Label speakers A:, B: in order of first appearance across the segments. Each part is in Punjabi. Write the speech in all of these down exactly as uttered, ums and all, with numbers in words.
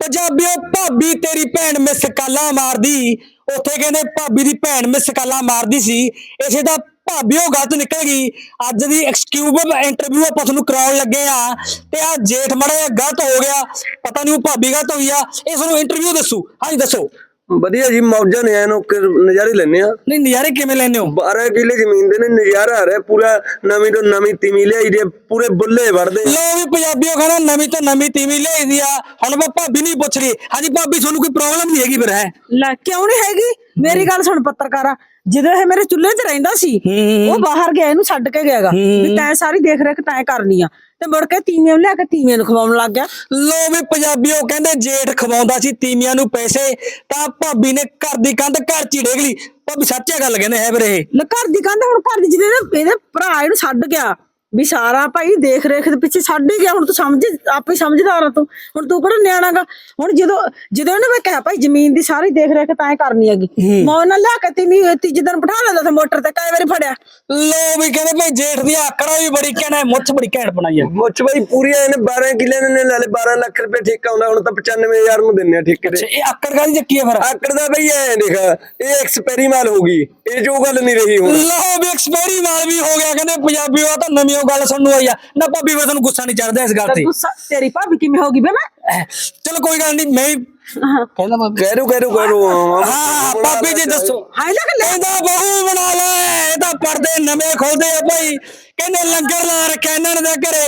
A: ਪੰਜਾਬੀਓ भाभी तेरी भैन मिस काला मारदी उत्थे कहंदे भाभी दी भैन मिस काला मारदी सी इसे दा भाभी ਉਹ गलत निकल गई ਅੱਜ ਦੀ ਐਕਸਕਿਊਬ ਇੰਟਰਵਿਊ ਆਪਾਂ ਤੁਹਾਨੂੰ ਕਰਾਉਣ ਲੱਗੇ ਆ ਤੇ ਆ ਜੇਠ ਮੜਾ ਗਲਤ ਹੋ ਗਿਆ ਪਤਾ ਨਹੀਂ ਉਹ ਭਾਬੀ ਗਲਤ ਹੋਈ ਆ ਇਹ ਤੁਹਾਨੂੰ ਇੰਟਰਵਿਊ ਦੱਸੂ ਹਾਂਜੀ ਦੱਸੋ
B: ਵਧੀਆ ਜੀ ਮੌਜਾਂ ਨੇ ਐਨੋ ਨਜ਼ਾਰੇ ਲੈਣੇ ਆ
A: ਨਹੀਂ ਨਜ਼ਾਰੇ ਕਿਵੇਂ ਲੈਣੇ ਹੋ
B: ਬਾਰਾਂ ਕਿੱਲੇ ਜ਼ਮੀਨ ਦੇ ਨੇ ਨਜ਼ਾਰਾ ਆ ਰਿਹਾ ਪੂਰਾ ਨਵੀਂ ਤੋਂ ਨਵੀਂ ਤੀਵੀਂ ਲਿਆਈ ਦੇ ਪੂਰੇ ਬੁੱਲੇ ਵੜਦੇ
A: ਲੋ ਵੀ ਪੰਜਾਬੀਓ ਕਹਿੰਦਾ ਨਵੀਂ ਤੋਂ ਨਵੀਂ ਤੀਵੀਂ ਲਿਆਈ ਦੀ ਆ ਹੁਣ ਆਪਾਂ ਭਾਬੀ ਨਹੀਂ ਪੁੱਛ ਰਹੀ ਹਾਂਜੀ ਭਾਬੀ ਤੁਹਾਨੂੰ ਕੋਈ ਪ੍ਰੋਬਲਮ ਨਹੀਂ ਹੈਗੀ ਫਿਰ ਹੈ
C: ਲੈ ਕਿਉਂ ਨਹੀਂ ਹੈਗੀ ਮੇਰੀ ਗੱਲ ਸੁਣ ਪੱਤਰਕਾਰਾ ਜਦੋਂ ਇਹ ਮੇਰੇ ਚੁੱਲ੍ਹੇ ਤੇ ਰਹਿੰਦਾ ਸੀ ਉਹ ਬਾਹਰ ਗਿਆ ਇਹਨੂੰ ਛੱਡ ਕੇ ਗਿਆਗਾ ਵੀ ਤੈਂ ਸਾਰੀ ਦੇਖ ਰੇਖ ਤੈਂ ਕਰਨੀ ਆ ਤੇ ਮੁੜ ਕੇ ਤੀਵੀਆਂ ਲਿਆ ਕੇ ਤੀਵੀਆਂ ਨੂੰ ਖਵਾਉਣ ਲੱਗ ਗਿਆ
A: ਲੋ ਵੀ ਪੰਜਾਬੀਓ ਕਹਿੰਦੇ ਜੇਠ ਖਵਾਉਂਦਾ ਸੀ ਤੀਵੀਆਂ ਨੂੰ ਪੈਸੇ ਤਾਂ ਭਾਬੀ ਨੇ ਘਰ ਦੀ ਕੰਧ ਘਰ ਚ ਹੀ ਡੇਗ ਲਈ ਭਾਬੀ ਸੱਚੀ ਗੱਲ ਕਹਿੰਦੇ ਹੈ ਵੀਰੇ
C: ਲੈ ਘਰ ਦੀ ਕੰਧ ਹੁਣ ਘਰ ਦੀ ਜਿਹਦੇ ਇਹਦੇ ਭਰਾ ਇਹਨੂੰ ਛੱਡ ਗਿਆ ਵੀ ਸਾਰਾ ਭਾਈ ਦੇਖ ਰੇਖ ਦੇ ਪਿੱਛੇ ਛੱਡ ਹੀ ਗਿਆ ਹੁਣ ਤੂੰ ਸਮਝ ਆਪੇ ਸਮਝਦਾਰ ਆ ਤੂੰ ਹੁਣ ਤੂੰ ਕਿਹੜਾ ਨਿਆਣਾਗਾ ਹੁਣ ਜਦੋਂ ਜਦੋਂ ਇਹਨੇ ਮੈਂ ਕਿਹਾ ਭਾਈ ਜ਼ਮੀਨ ਦੀ ਸਾਰੀ ਦੇਖ ਰੇਖ ਤਾਂ ਕਰਨੀ ਹੈਗੀ ਮੈਂ ਉਹਨਾਂ ਲਿਆ ਕੇ ਤੀਵੀਂ ਤੀਜੇ ਦਿਨ ਬਿਠਾ ਲੈਂਦਾ ਸੀ ਮੋਟਰ ਤੇ ਕਈ ਵਾਰੀ ਫੜਿਆ
A: ਲੋ ਵੀ ਕਹਿੰਦੇ ਭਾਈ ਜੇਠ ਦੀ ਆਕੜਾ ਵੀ ਬੜੀ ਕਹਿਣਾ ਮੁੱਛ ਬੜੀ ਘੈਂਟ ਬਣਾਈ ਆ
B: ਮੁੱਛ ਬਾਈ ਪੂਰੀ ਇਹਨੇ ਬਾਰਾਂ ਕਿੱਲੇ ਨੇ ਨਾਲੇ ਬਾਰਾਂ ਲੱਖ ਰੁਪਏ ਠੇਕਾ ਹੁੰਦਾ ਹੁਣ ਤਾਂ ਪਚਾਨਵੇਂ ਹਜ਼ਾਰ ਨੂੰ ਦਿੰਨੇ ਆ ਠੇਕੇ ਤੇ
A: ਇਹ ਆਕੜ ਕਾਦੀ ਚੱਕੀ ਆ ਫਿਰ
B: ਆਕੜ ਦਾ ਬਈ ਐ ਦੇਖ ਇਹ ਐਕਸਪੈਰੀ ਮਾਲ ਹੋ ਗਈ ਇਹ ਜੋ ਗੱਲ ਨਹੀਂ ਰਹੀ ਹੁਣ
A: ਲੋ ਵੀ ਐਕਸਪੈਰੀ ਮਾਲ ਵੀ ਹੋ ਗਿਆ ਕਹਿੰਦੇ ਪੰਜਾਬੀਓ ਆ ਤਾਂ ਨਵੀਂ ਗੱਲ ਸੁਣਨ ਆਈ ਆ ਨਾ ਭਾਬੀ ਵੇ ਤੁਹਾਨੂੰ ਗੁੱਸਾ ਨਹੀਂ ਚੜਦਾ ਇਸ ਗੱਲ ਤੇ
C: ਗੁੱਸਾ ਤੇਰੀ ਭਾਬੀ ਕਿਵੇਂ ਹੋ ਗਈ ਬੇ ਮੈਂ
A: ਚਲੋ ਕੋਈ ਗੱਲ ਨਹੀਂ ਮੈਂ ਕਹਿੰਦਾ ਭਾਬੀ
B: ਕਹਿ ਰੋ ਕਹਿ ਰੋ ਕਹਿ ਰੋ
A: ਹਾਂ ਭਾਬੀ ਜੀ ਦੱਸੋ
C: ਹਾਏ ਲੱਗ ਲੈ
A: ਇਹਦਾ ਬਹੂ ਬਣਾ ਲੈ ਇਹ ਤਾਂ ਪਰਦੇ ਨਵੇਂ ਖੋਲਦੇ ਆ ਭਾਈ ਕਹਿੰਦੇ ਲੰਗਰ ਲਾ ਰੱਖਿਆ ਇਹਨਾਂ ਨੇ ਘਰੇ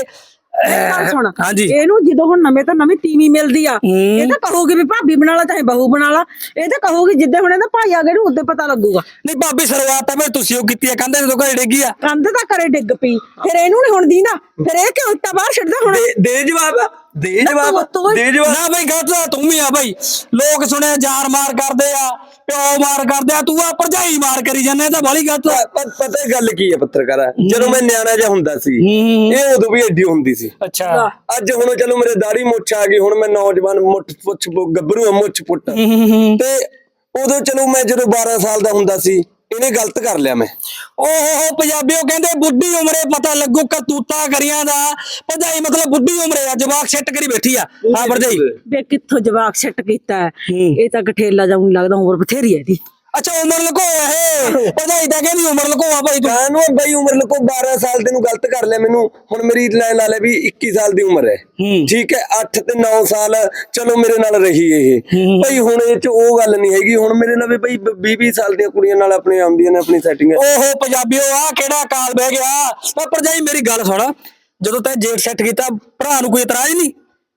C: ਸੁਣ
A: ਹਾਂਜੀ
C: ਇਹਨੂੰ ਜਦੋਂ ਹੁਣ ਨਵੇਂ ਤਾਂ ਨਵੀਂ ਤੀਵੀਂ ਮਿਲਦੀ ਆ ਇਹ ਤਾਂ ਕਹੂਗੀ ਵੀ ਭਾਬੀ ਬਣਾ ਲਾ ਚਾਹੇ ਬਹੂ ਬਣਾ ਲਾ ਇਹ ਤਾਂ ਕਹੂਗੀ ਜਿੱਦੇ ਹੁਣ ਇਹਦਾ ਭਾਈ ਆ ਗਿਆ ਉਹਦੇ ਪਤਾ ਲੱਗੂਗਾ
A: ਨਹੀਂ ਭਾਬੀ ਸ਼ੁਰੂਆਤ ਤਾਂ ਫਿਰ ਤੁਸੀਂ ਉਹ ਕੀਤੀ ਆ ਕਹਿੰਦੇ ਜਦੋਂ ਘਰੇ ਡਿੱਗੀ ਆ
C: ਕੰਧ ਤਾਂ ਕਰੇ ਡਿੱਗ ਪਈ ਫਿਰ ਇਹਨੂੰ ਨਹੀਂ ਹੁਣ ਦੀਂਦਾ ਫਿਰ ਇਹ ਕਿਉਂ ਇੱਟਾਂ ਬਾਹਰ ਛੱਡਦਾ ਹੁਣ
B: ਦੇ ਜਵਾਬ ਦੇ ਜਵਾਬ ਦੇ ਜਵਾਬ
A: ਨਾ ਭਾਈ ਗਲਤ ਤੂੰ ਵੀ ਆ ਭਾਈ ਲੋਕ ਸੁਣਿਆ ਜਾਰ ਮਾਰ ਕਰਦੇ ਆ ਪਿਓ ਮਾਰ ਕਰਦੇ ਆ ਤੂੰ ਆ ਭਰਜਾਈ ਮਾਰ ਕਰੀ ਜਾਂਦੇ ਤਾਂ ਬਾਲੀ ਗਲਤ
B: ਪਤਾ ਗੱਲ ਕੀ ਹੈ ਪੱਤਰਕਾਰਾ ਜਦੋਂ ਮੈਂ ਨਿਆਣਾ ਜਿਹਾ ਹੁੰਦਾ ਸੀ ਇਹ ਉਦੋਂ ਵੀ ਐਡੀ ਹੁੰਦੀ ਸੀ
A: ਅੱਛਾ
B: ਅੱਜ ਹੁਣ ਚਲੋ ਮੇਰੇ ਦਾੜੀ ਮੁੱਛ ਆ ਗਈ ਹੁਣ ਮੈਂ ਨੌਜਵਾਨ ਮੁੱਠ ਪੁੱਛ ਗੱਭਰੂ ਮੁੱਛ ਪੁੱਟ ਤੇ ਉਦੋਂ ਚਲੋ ਮੈਂ ਜਦੋਂ ਬਾਰਾਂ ਸਾਲ ਦਾ ਹੁੰਦਾ ਸੀ ਇਹਨੇ ਗਲਤ ਕਰ ਲਿਆ ਮੈਂ
A: ਓਹ ਪੰਜਾਬੀਓ ਕਹਿੰਦੇ ਬੁੱਢੀ ਉਮਰੇ ਪਤਾ ਲੱਗੂ ਕਰਤੂਤਾ ਕਰੀਆਂ ਦਾ ਭਰਜਾਈ ਮਤਲਬ ਬੁੱਢੀ ਉਮਰੇ ਆ ਜਵਾਕ ਸੈੱਟ ਕਰੀ ਬੈਠੀ ਆ ਹਾਂ ਭਰਜਾਈ
C: ਵੇ ਕਿੱਥੋਂ ਜਵਾਕ ਸੈੱਟ ਕੀਤਾ ਇਹ ਤਾਂ ਗਠੇਲਾ ਜਾਉਂ ਲੱਗਦਾ ਉਮਰ ਬਥੇਰੀ ਹੈ ਇਹਦੀ
A: ਅੱਛਾ ਉਮਰ ਲਕੋ ਇਹ ਭਰਜਾਈ ਤਾਂ ਕਹਿੰਦੀ ਉਮਰ ਲਕੋ ਆ ਭਾਈ
B: ਕਾਹਨੂੰ ਬਈ ਉਮਰ ਲਕੋ ਬਾਰਾਂ ਸਾਲ ਤੈਨੂੰ ਗਲਤ ਕਰ ਲਿਆ ਮੈਨੂੰ ਹੁਣ ਮੇਰੀ ਲੈ ਲਾ ਲੈ ਵੀ ਇੱਕੀ ਸਾਲ ਦੀ ਉਮਰ ਹੈ ਠੀਕ ਹੈ ਅੱਠ ਤੇ ਨੌ ਸਾਲ ਚਲੋ ਮੇਰੇ ਨਾਲ ਰਹੀ ਇਹ ਭਾਈ ਹੁਣ ਇਹ ਚ ਉਹ ਗੱਲ ਨਹੀਂ ਹੈਗੀ ਹੁਣ ਮੇਰੇ ਨਾਲ ਵੀ ਭਾਈ ਵੀਹ ਵੀਹ ਸਾਲ ਦੀਆਂ ਕੁੜੀਆਂ ਨਾਲ ਆਪਣੇ ਆਉਂਦੀਆਂ ਨੇ ਆਪਣੀ ਸੈਟਿੰਗ
A: ਓਹੋ ਪੰਜਾਬੀਓ ਆ ਕਿਹੜਾ ਕਾਲ ਬਹਿ ਗਿਆ ਤਾਂ ਭਰਜਾਈ ਮੇਰੀ ਗੱਲ ਸੁਣ ਜਦੋਂ ਤੈਂ ਜੇਠ ਸੈੱਟ ਕੀਤਾ ਭਰਾ ਨੂੰ ਕੋਈ ਇਤਰਾਜ਼ ਨਹੀਂ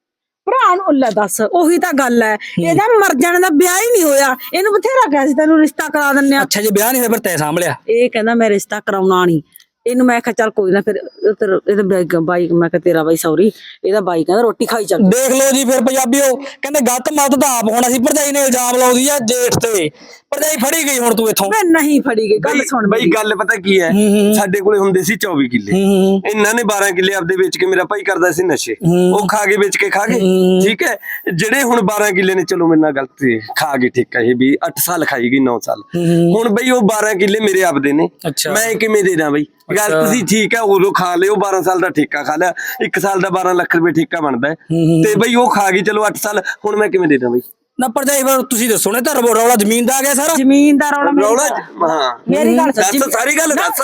C: ਭਰਾ ਨੂੰ ਲੈ ਦੱਸ ਉਹੀ ਤਾਂ ਗੱਲ ਹੈ ਇਹਦਾ ਮਰ ਜਾਣ ਦਾ ਵਿਆਹ ਹੀ ਨਹੀਂ ਹੋਇਆ ਇਹਨੂੰ ਬਥੇਰਾ ਕਿਹਾ ਸੀ ਤੈਨੂੰ ਰਿਸ਼ਤਾ ਕਰਾ ਦਿੰਨੇ ਆ
A: ਅੱਛਾ ਜੇ ਵਿਆਹ ਨਹੀਂ ਹੋਇਆ ਫਿਰ ਤੈਂ ਸਾਂਭ ਲਿਆ
C: ਇਹ ਕਹਿੰਦਾ ਮੈਂ ਰਿਸ਼ਤਾ ਕਰਾਉਣਾ ਨਹੀਂ ਇਹਨੂੰ ਮੈਂ ਕਿਹਾ ਚੱਲ ਕੋਈ ਨਾ ਫਿਰ ਇਹਦੇ ਬਾਈ ਮੈਂ ਕਿਹਾ ਤੇਰਾ ਬਾਈ ਸੌਰੀ ਇਹਦਾ ਬਾਈ ਕਹਿੰਦਾ ਰੋਟੀ ਖਾਈ ਚੱਲ
A: ਦੇਖ ਲਓ ਜੀ ਫਿਰ ਪੰਜਾਬੀਓ ਕਹਿੰਦੇ ਗਲਤ ਮਤ ਤਾਂ ਆਪ ਹੋਣਾ ਸੀ ਭਰਜਾਈ ਨੇ ਇਲਜ਼ਾਮ ਲਾਉਂਦੀ ਆ ਜੇਠ ਤੇ ਭਰਜਾਈ ਫੜੀ ਗਈ ਹੁਣ ਤੂੰ ਇੱਥੋਂ
C: ਮੈਂ ਨਹੀਂ ਫੜੀ ਗਈ ਗੱਲ ਸੁਣ
B: ਬਈ ਗੱਲ ਪਤਾ ਕੀ ਹੈ ਸਾਡੇ ਕੋਲੇ ਹੁੰਦੇ ਸੀ ਚੌਵੀ ਕਿੱਲੇ ਇਹਨਾਂ ਨੇ ਬਾਰਾਂ ਕਿੱਲੇ ਆਪਦੇ ਵੇਚ ਕੇ ਮੇਰਾ ਭਾਈ ਕਰਦਾ ਸੀ ਨਸ਼ੇ ਉਹ ਖਾ ਕੇ ਵੇਚ ਕੇ ਖਾ ਗਏ ਠੀਕ ਹੈ ਜਿਹੜੇ ਹੁਣ ਬਾਰਾਂ ਕਿੱਲੇ ਨੇ ਚਲੋ ਮੇਰੇ ਨਾਲ ਗਲਤ ਖਾ ਗਏ ਠੀਕ ਹੈ ਵੀ ਅੱਠ ਸਾਲ ਖਾਈ ਗਈ ਨੌ ਸਾਲ ਹੁਣ ਬਈ ਉਹ ਬਾਰਾਂ ਕਿੱਲੇ ਮੇਰੇ ਆਪਦੇ ਨੇ ਮੈਂ ਕਿਵੇਂ ਦੇ ਦਾਂ ਬਈ ਗੱਲ ਤੁਸੀਂ ਠੀਕ ਹੈ ਉਦੋਂ ਖਾ ਲਿਓ ਬਾਰਾਂ ਸਾਲ ਦਾ ਠੇਕਾ ਖਾ ਲਿਆ ਇੱਕ ਸਾਲ ਦਾ ਬਾਰਾਂ ਲੱਖ ਰੁਪਏ ਠੇਕਾ ਬਣਦਾ ਤੇ ਬਈ ਉਹ ਖਾ ਗਈ ਚਲੋ ਅੱਠ ਸਾਲ ਹੁਣ ਮੈਂ ਕਿਵੇਂ ਦੇ ਦਾਂ ਬਈ
A: ਨਾ ਭਰਜਾਈ ਫਿਰ ਤੁਸੀਂ ਦੱਸੋ ਨੇ ਤਾਂ ਰੌਲਾ ਜ਼ਮੀਨ ਦਾ ਆ ਗਿਆ ਸਾਰਾ
C: ਜ਼ਮੀਨ ਦਾ ਰੌਲਾ
B: ਰੌਲਾ ਹਾਂ
C: ਮੇਰੀ ਗੱਲ
B: ਦੱਸ ਸਾਰੀ ਗੱਲ ਦੱਸ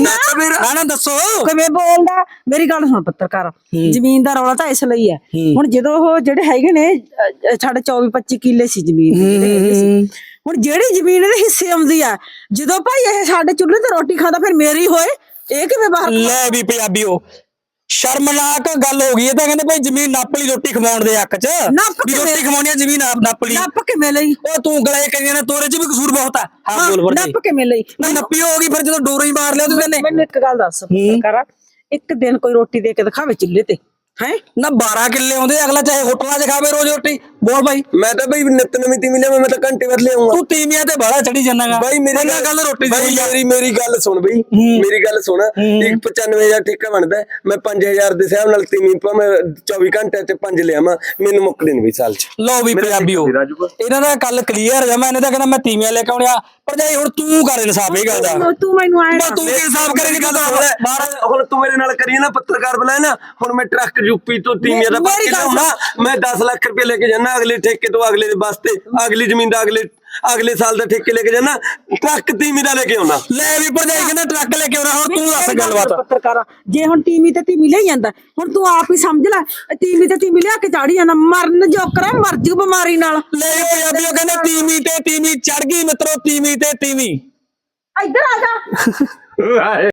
A: ਨਾ ਨਾ ਦੱਸੋ
C: ਕਿਵੇਂ ਬੋਲਦਾ ਮੇਰੀ ਗੱਲ ਸੁਣ ਪੱਤਰਕਾਰ ਜ਼ਮੀਨ ਦਾ ਰੌਲਾ ਤਾਂ ਇਸ ਲਈ ਹੈ ਹੁਣ ਜਦੋਂ ਉਹ ਜਿਹੜੇ ਹੈਗੇ ਨੇ ਸਾਡੇ ਚੌਵੀ ਪੱਚੀ ਕਿੱਲੇ ਸੀ ਜ਼ਮੀਨ ਹੁਣ ਜਿਹੜੀ ਜ਼ਮੀਨ ਦੇ ਹਿੱਸੇ ਆਉਂਦੀ ਆ ਜਦੋਂ ਭਾਈ ਇਹ ਸਾਡੇ ਚੁੱਲ੍ਹੇ ਤੇ ਰੋਟੀ ਖਾਂਦਾ ਫਿਰ ਮੇਰੀ ਹੋਏ ਇਹ ਕਿਵੇਂ ਬਾਹਰ
A: ਲੈ ਵੀ ਪੰਜਾਬੀਓ ਸ਼ਰਮਨਾਕ ਗੱਲ ਹੋ ਗਈ ਇਹ ਤਾਂ ਕਹਿੰਦੇ ਭਾਈ ਜ਼ਮੀਨ ਨੱਪ ਲਈ ਰੋਟੀ ਖਵਾਉਣ ਦੇ ਹੱਕ ਚ ਵੀ ਰੋਟੀ ਖਵਾਉਣੀ ਆ ਜ਼ਮੀਨ ਆਪ ਨੱਪ ਲਈ
C: ਨੱਪ ਕਿਵੇਂ ਲਈ
A: ਉਹ ਤੂੰ ਗਲੇ ਕਰੀਆਂ ਨੇ ਤੋਰੇ ਚ ਵੀ ਕਸੂਰ ਬਹੁਤ ਆ ਹਾਂ ਬੋਲ ਵਰਜੀ
C: ਨੱਪ ਕਿਵੇਂ ਲਈ
A: ਨਾ ਨੱਪੀ ਹੋ ਗਈ ਫਿਰ ਜਦੋਂ ਡੋਰਾ ਹੀ ਮਾਰ ਲਿਆ ਤੂੰ ਕਹਿੰਦੇ
C: ਮੈਨੂੰ ਇੱਕ ਗੱਲ ਦੱਸ ਪੱਤਰਕਾਰਾ ਇੱਕ ਦਿਨ ਕੋਈ ਰੋਟੀ ਦੇ ਕੇ ਦਿਖਾਵੇ ਚੁੱਲ੍ਹੇ ਤੇ ਹੈ
A: ਨਾ ਬਾਰਾਂ ਕਿੱਲੇ ਆਉਂਦੇ ਅਗਲਾ ਚਾਹੇ ਹੋਟਲਾਂ 'ਚ ਖਾਵੇ ਰੋਜ਼ ਰੋਟੀ ਬੋਲ ਭਾਈ
B: ਮੈਂ ਤਾਂ ਬਈ ਨਿਤ ਨਵੀਂ ਤੀਵੀਂ ਲਿਆਵਾਂ ਮੈਂ ਤਾਂ ਘੰਟੇ ਬਾਅਦ ਲਿਆਉਂਗਾ
A: ਤੂੰ ਤੀਵੀਆਂ ਤੇ ਬਾਹਲਾ ਚੜੀ ਜਾਣਾਗਾ
B: ਬਾਈ ਮੇਰੀ
A: ਗੱਲ ਰੋਟੀ
B: ਬਾਈ ਮੇਰੀ ਮੇਰੀ ਗੱਲ ਸੁਣ ਬਈ ਮੇਰੀ ਗੱਲ ਸੁਣ ਇੱਕ ਪਚਾਨਵੇਂ ਹਜ਼ਾਰ ਠੇਕਾ ਬਣਦਾ ਮੈਂ ਪੰਜ ਹਜ਼ਾਰ ਦੇ ਹਿਸਾਬ ਨਾਲ ਤੀਵੀਂ ਭਾਵੇਂ ਚੌਵੀ ਘੰਟੇ ਤੇ ਪੰਜ ਲਿਆਵਾਂ ਮੈਨੂੰ ਮੁੱਕਦੇ ਨਹੀਂ ਵੀ ਸਾਲ 'ਚ
A: ਲਓ ਵੀ ਪੰਜਾਬੀਓ ਇਹਨਾਂ ਦਾ ਗੱਲ ਕਲੀਅਰ ਜਮਾ ਇਹਨੇ ਤਾਂ ਕਹਿੰਦਾ ਮੈਂ ਤੀਵੀਆਂ ਲੈ ਕੇ ਆਉਣਿਆ ਭਰਜਾਈ ਹੁਣ ਤੂੰ ਕਰ ਇਨਸਾਫ ਇਹ ਗੱਲ ਦਾ
C: ਤੂੰ ਮੈਨੂੰ ਆਇਆ
A: ਤੂੰ ਕੀ ਇਨਸਾਫ ਕਰੇਂਗੀ ਗੱਲ
B: ਹੁਣ ਤੂੰ ਮੇਰੇ ਨਾਲ ਕਰੀਏ ਨਾ ਪੱਤਰਕਾਰ ਬੁਲਾਏ ਨਾ ਹੁਣ ਮੈਂ ਟਰੱਕ ਯੂਪੀ ਤੋਂ ਤੀਵੀਆਂ ਦਾ
C: ਮੇਰੀ
B: ਪੱਕੇ
C: ਗੱਲ
B: ਲਿਆਉਣਾ ਮੈਂ ਦਸ ਲੱਖ ਰੁਪਏ ਲੈ ਕੇ ਜਾਣਾ ਅਗਲੇ ਠੇਕੇ ਤੋਂ ਅਗਲੇ ਦੇ ਵਾਸਤੇ ਅਗਲੀ ਜ਼ਮੀਨ ਦਾ ਅਗਲੇ ਅਗਲੇ ਸਾਲ ਦਾ ਠੇਕੇ ਲੈ ਕੇ ਜਾਣਾ ਟਰੱਕ ਤੀਵੀਂ ਦਾ ਲੈ ਕੇ ਆਉਣਾ
A: ਲੈ ਵੀ ਭਰਜਾਈ ਕਹਿੰਦਾ ਟਰੱਕ ਲੈ ਕੇ ਆਉਣਾ ਹੁਣ ਤੂੰ ਦੱਸ ਗੱਲਬਾਤ
C: ਪੱਤਰਕਾਰਾ ਜੇ ਹੁਣ ਤੀਵੀਂ ਤੇ ਤੀਵੀਂ ਲਈ ਜਾਂਦਾ ਹੁਣ ਤੂੰ ਆਪ ਹੀ ਸਮਝ ਲੈ ਤੀਵੀਂ ਤੇ ਤੀਵੀਂ ਲਿਆ ਕੇ ਚਾੜੀ ਜਾਂਦਾ ਮਰਨ ਜੋਕਰਾ ਮਰ ਜੂ ਬਿਮਾਰੀ ਨਾਲ
A: ਲੈ ਵੀ ਪੰਜਾਬੀਓ ਕਹਿੰਦੇ ਤੀਵੀਂ ਤੇ ਤੀਵੀਂ ਚੜ ਗਈ ਮਿੱਤਰੋ ਤੀਵੀਂ ਤੇ ਤੀਵੀਂ
C: ਇੱਧਰ ਆ ਜਾ